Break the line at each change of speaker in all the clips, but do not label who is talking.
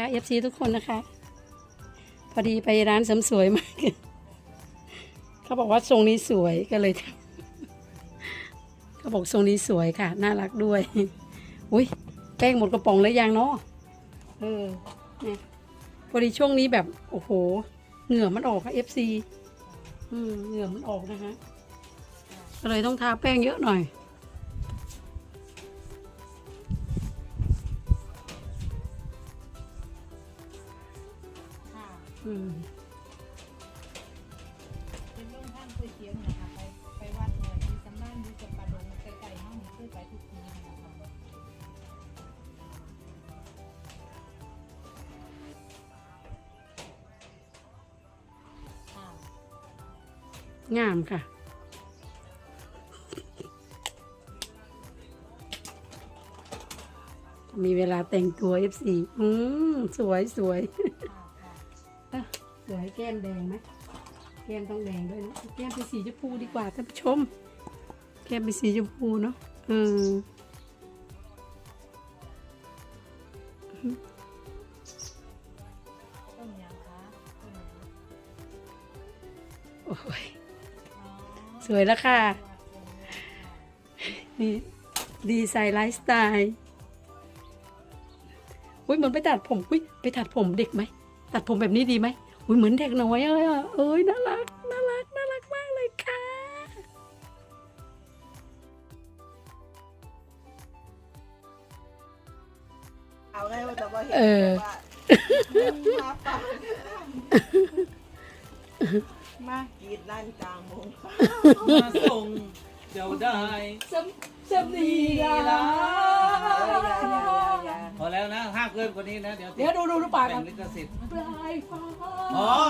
FC ทุกคนนะคะ พอดีไปร้านเสริมสวยมาเขาบอกว่าทรงนี้สวยก็เลยทำเขาบอกทรงนี้สวยค่ะน่ารักด้วยอุ้ยแป้งหมดกระป๋องแล้วยังเนาะเนี่ยพอดีช่วงนี้แบบโอ้โหเหงื่อมันออกค่ะ FC เหงื่อมันออกนะคะก็เลยต้องทาแป้งเยอะหน่อย
เป็นเรื่องท่านเคยเสียงนะคะไปวัดเนี่ยมีสำนักอยู่กับปลาดงไกลๆห้องนี้เคยไปทุกทีนะคะ
งามค่ะมีเวลาแต่งตัว FC สวยสวยสวยแก้มแดงไหมแก้มต้องแดงด้วยนะแก้มเป็นสีชมพูดีกว่าท่านผู้ชมแก้มเป็นสีชมพูเนาะ
ต้นยังคะต้นยัง
โอ้ยสวยแล้วค่ะนี่ดีไซน์ไลฟ์สไตล์อุ้ยเหมือนไปตัดผมอุ้ยไปตัดผมเด็กไหมตัดผมแบบนี้ดีไหมอุ้ยเหมือนเด็กน้อยเลยอ่ะเอ้ยน่ารักน่ารักน่ารักมากเลยค่ะ
เอาไงว่าจะว่าเห็นว่ามาปากมากรีดลั่นกลางวง
มาส่งเดี๋ยวได้
สำนีละ
พอแล้วนะห้ามเกินกว่านี้นะเดี๋ยว
ดูปาก
แบ่
กั
ง
น
ลิขสิทธิ์
ปลายฟ้า
อ๋อ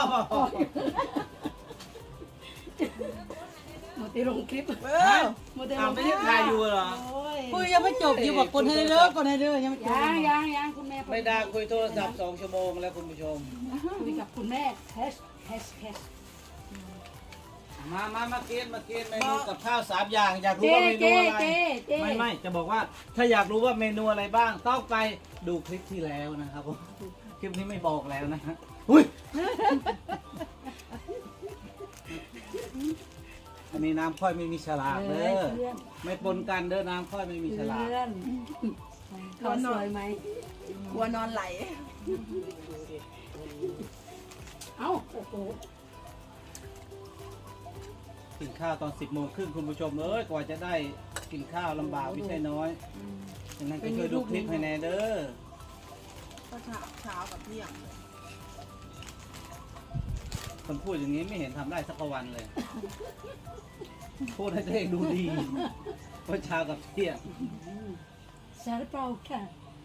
หมดที่ลงคลิปหมดที่ล
เอา
ง
ไม่ได้ถ่ายอยู่เหรอ
คุยยังไม่จบอยู่บอกคนให้เลิกคนให้เลิกยังไม่จบ
ยังคุณแม่
ไม่ได้คุยโทรศัพท์2 ชั่วโมงแล้วคุณผู้ชม
คุยกับคุณแม่แฮช
มากินเมนูกับข้าว3 อย่างอยากรู้ว่าเมนูอะไรไม่จะบอกว่าถ้าอยากรู้ว่าเมนูอะไรบ้างต้องไปดูคลิปที่แล้วนะครับผมคลิปนี้ไม่บอกแล้วนะฮะอุ้ยอันนี้น้ำค่อยไม่มีฉลากเด้อไม่ปนกันเด้อน้ำค่อยไม่มีฉลาก
เพื่อนเขาสวยไหม
กลัวนอนไหล
เอ้าโอ้โห
กินข้าวตอน10 โมงครึ่งคุณผู้ชมเอ้ยกว่าจะได้กินข้าวลำบากไม่ใช่น้อยฉะนั้นก็ช่วยดูคลิปให้แน่เด้อ
ก็เช้ากับเที่ยง
คนพูดอย่างนี้ไม่เห็นทำได้สักวันเลย พูดให้ตัวเองดูดีว่าเช้ากับเที่ยง
ซาลาเปาค่ะ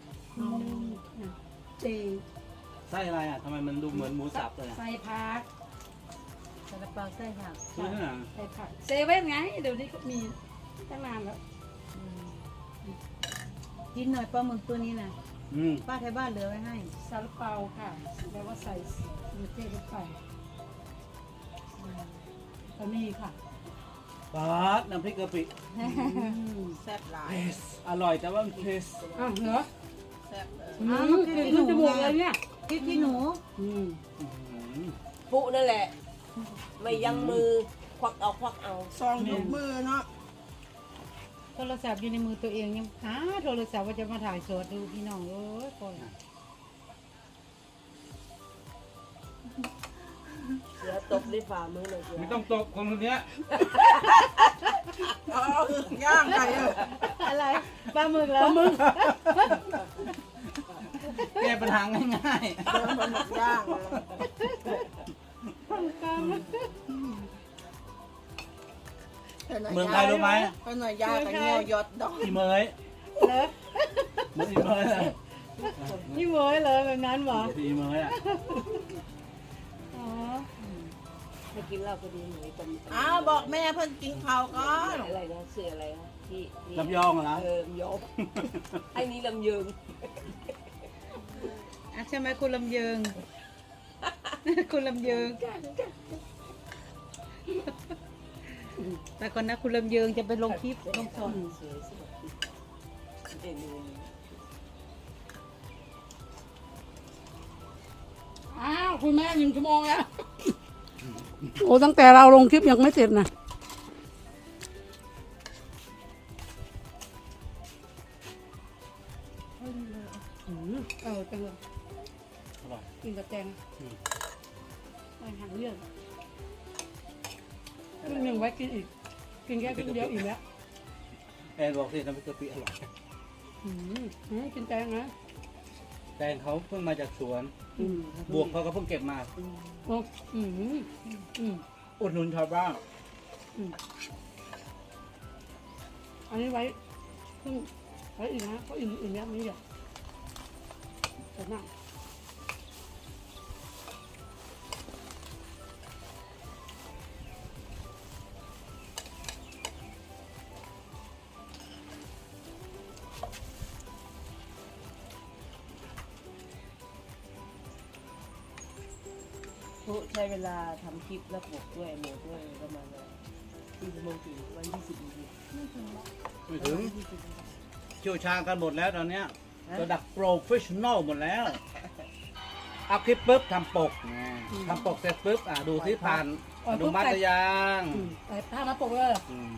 เจ
ไส้อะไรอ่ะทำไมมันดูเหมือนหมูสับเลย
ใส่ผัก
ซาลาเปาไส้ค่ะ
คือที่ไหน
ใส่ผักเซเว่นไงเดี๋ยวนี้เขามีตั้งนานแล้ว
กินหน่อยปลาหมึกตัวนี้นะ ป้าไทยบ้านเหลือไว้ให้
ซาลาเปาค่ะแล้วว่าใส่เนื้อเจลงไปก็มีค่ะ
ปาดน้ำพริกกะปิ
แซ่บหลาย
อร่อยแต่ว่ามันเค็ม
อ้าวเหรอ
แซ่บเลย
ขึ้นจมูกเลยเนี่ย
พริกขี้หนู
ปุนั่นแหละ ไม่ยังมือควักเอา
ซองยกมือเนาะ
โทรศัพท์อยู่ในมือตัวเองยังหาโทรศัพท์ว่าจะมาถ่ายสดดูพี่น้องเอ้ยก่อน
เสือตบด้วยฝ่ามือเลยเสือ
ไม่ต้องตกคนเนี้ย
เอาย่างไก่
อะไรปลาหมึกแล้ว
แก้ปัญหาง่าย
มันหมดย่างเป็นหน่อยย่างกับเงี้ยวยอดดอก
ๆอีเมย
เหรอ
เหมือนอีเมยเลย
นี่โวยเลยแบบนั้นเหรอ
อีเมยอ่ะ
อ๋อ
ไม่กินเหล้าก็ดีหนูเป็น
อ้าวบอกแม่เพิ่นกินข้าวก่อน
อะไรนะเสืออะไรนะที่
ลำยองเหรอ
ลำยองไอ้นี่ลำยืง
อ่ะใช่ไหมคุณลำเยิง คุณลำเยิง แต่ก่อนนะคุณลำเยิงจะไปลงคลิปลงสอน
สวยสวยเด่นเลย
คุณแม่1 ชั่วโมงแล้ว โอ้ตั้งแต่เราลงคลิปยังไม่เสร็จนะจังเลย
อร่อย
กินกับแตงไม่หันเรื่องครึ่งหนึ่งไว้กินอีก กินแค่ครึ่งเดียวอีกแล้ว
แอนบอกสิน้ำพริกกะปิอร่อย
กินแตงนะ
แตงเขาเพิ่งมาจากสวน
อืม
บวกเขาก็เพิ่งเก็บมา
โอ้
อุดหนุนชาวบ้าน
อันนี้ไว้ครึ่งไว้อีกนะเพราะอื่นเนี้ยไม่เยอะแต่นั่ง
ใช้เวลาทำคลิปแล้วปกด้วยโหมดด้วยประมาณ4 ชั่วโมงถึงวัน20 นาที
ไม่ถึงเชี่ยวชาญกันหมดแล้วตอนเนี้ยระดับโปรเฟชชั่นอลหมดแล้วเอาคลิปปุ๊บทำปกทำปกเสร็จปุ๊บดูที่ผ่านอนุมัติหรือยัง
แต่ถ้ามาปกเลย
อืม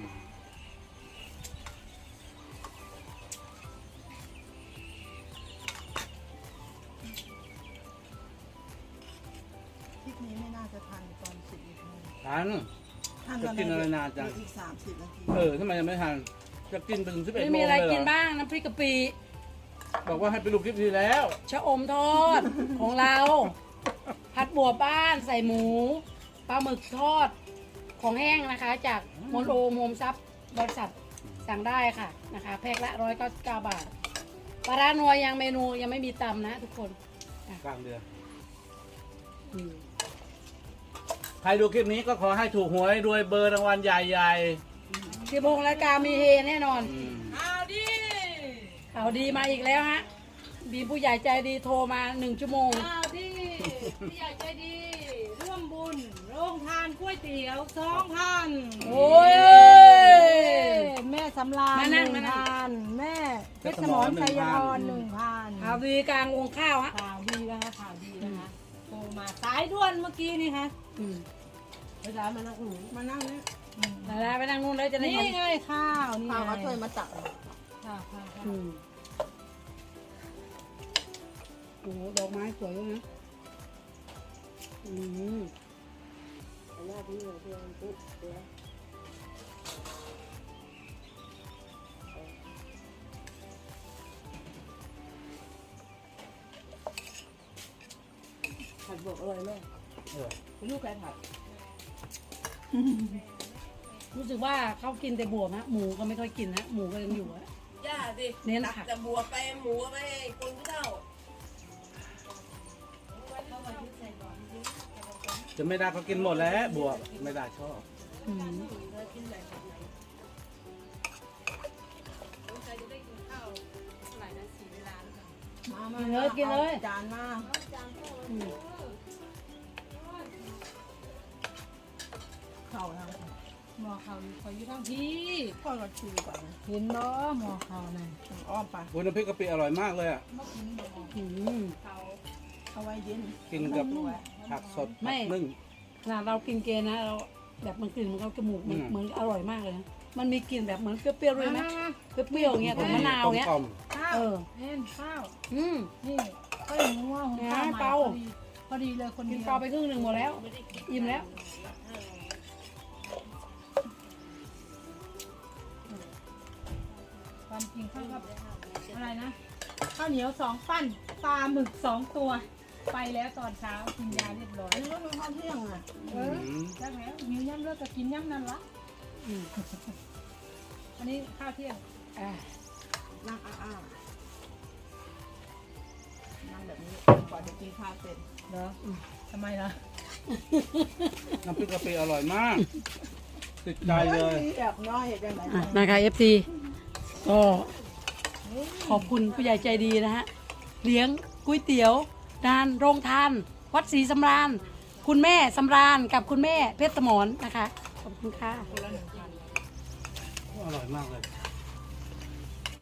คลิปนี้ไม่น่าจะทันตอน10 นาที
ทัน
ทัน
จะกินอะไรนานจัง
อีก30 นาที
ทำไมยังไม่ทันจะกินไปถึง11 โมงเลย
มีอะไร
เหร
กิน
อ
บ้างน้ำพริกกะปิ
บอกว่าให้ไปดูคลิปที่แล้ว
ชะอมทอด ของเรา ผัดบัวบ้านใส่หมูปลาหมึกทอดของแห้งนะคะ จากโมโนโฮมซับบริษัทสั่งได้ค่ะนะคะ แพ็คละ199 บาทปลาร้านัวยังเมนูยังไม่มีตำนะทุกคน
กลางเดือน
อืม
ใครดูคลิปนี้ก็ขอให้ถูกหวยรวยเบอร์รางวัลใหญ่
16 รายการมีเฮแน่นอน
ๆอืม
ข่าวดีมาอีกแล้วฮะมีผู้ใหญ่ใจดีโทรมา1 ชั่วโมง
ข่าวดีพี่ใหญ่ใจดี ร่วมบุญโรงทานก๋วยเตี๋ยว2,000
โอ้ย
แม่สำราญ
มานั่งมานั่ง
1,000แม่เพชรสมรชัยพร1,000
ข่าวดีกลางวงข้าวฮะ
ข่าวดีนะคะข่าวดีนะคะโทรมาสายด่วนเมื่อกี้นี่คะ
อืม
เวลามานั่ง
มานั่งนี่
แล้วไปนั่งนู่นแล้วจะได้
นี่
เห็น
ไงข้าวนี่
พา
ไง
เขาช่วยมาตัก
ค่ะค่ะค่ะ
อืมโอ้โหดอกไม้สวยด้วยนะอืม
หน้าที่ของเพื่อนปุ๊บเดี๋ยวผัดบวกอร่อยมาก
เออ
ลูกใครผัด
รู้สึกว่าเขากินแต่บวบฮะหมูก็ไม่ค่อยกินฮะหมูก็ยังอยู่ฮะ
ย่าสิ
เน้น
ตัก
ผัก
แต่บัวไปหมูไปคนผู้เฒ่า
จะไม่ได้ก็กินหมดแล้วบวกไม่ได้ชอบ
อืม
มา
กินเลยกินเลย
จานมา
อืม
เข่าทาง
หมอเขาคอยอยู่ทั้งพี่
พ่อก็ชูก่อน
เห็นบ่หมอเขาน่ะ
อ้อมไป
วุ้นน้ำพริกกะปิอร่อยมากเลยอ่ะ
อืม
เอาไว้เย็น
กินกับผักสดผักนึ่ง
ขนาดเรากินเกนะเราแบบมันกลิ่นมันเข้าจมูกมัน
อืม
เหมือนอร่อยมากเลยนะมันมีกลิ่นแบบเหมือนเปรี้ยวๆด้วยไหมเปรี้ยวๆอย่างเงี้ยของมะนาวเงี้ย
กลม
ข้าว
เออ
เห็นข้าว
อืม
นี่ก็อย่างงัวหุงข้าว
เปา
พอดีเลยคน
กิ
เดี
น
ยว
ปลาไปครึ่งหนึ่งหมดแล้วอิ่มแล้ว
ความจริงข้าวกับอะไรนะข้าวเหนียว2 ปั้นปลาหมึก2 ตัว ไปแล้วตอนเช้ากินยาเรียบร้อย
อันนี้ก็เป็นข้าวเที่ยงอ่ะ
เออแล้วแล้วหิวย่ำเลิกก็กินย่ำนั่นละ
อืม
อันนี้ข้าวเที่ยง
อ่า
นั่งอ้านั่งแบบนี้ก่อนจะกินข้าวเสร็จ
เหรอทำไมล่ะ
ๆน้ำพริกกะปิอร่อยมาก ติดใจเลย
แบบน้อยจังไหน
อ่ะนะคะ FT ก็ขอบคุณผู้ใหญ่ใจดีนะฮะเลี้ยงก๋วยเตี๋ยวดานโรงทาน วัดศรีสำราญ คุณแม่สำราญกับคุณแม่เพชรสมรนะคะ ขอบคุณค่ะ
อร่อยมากเลย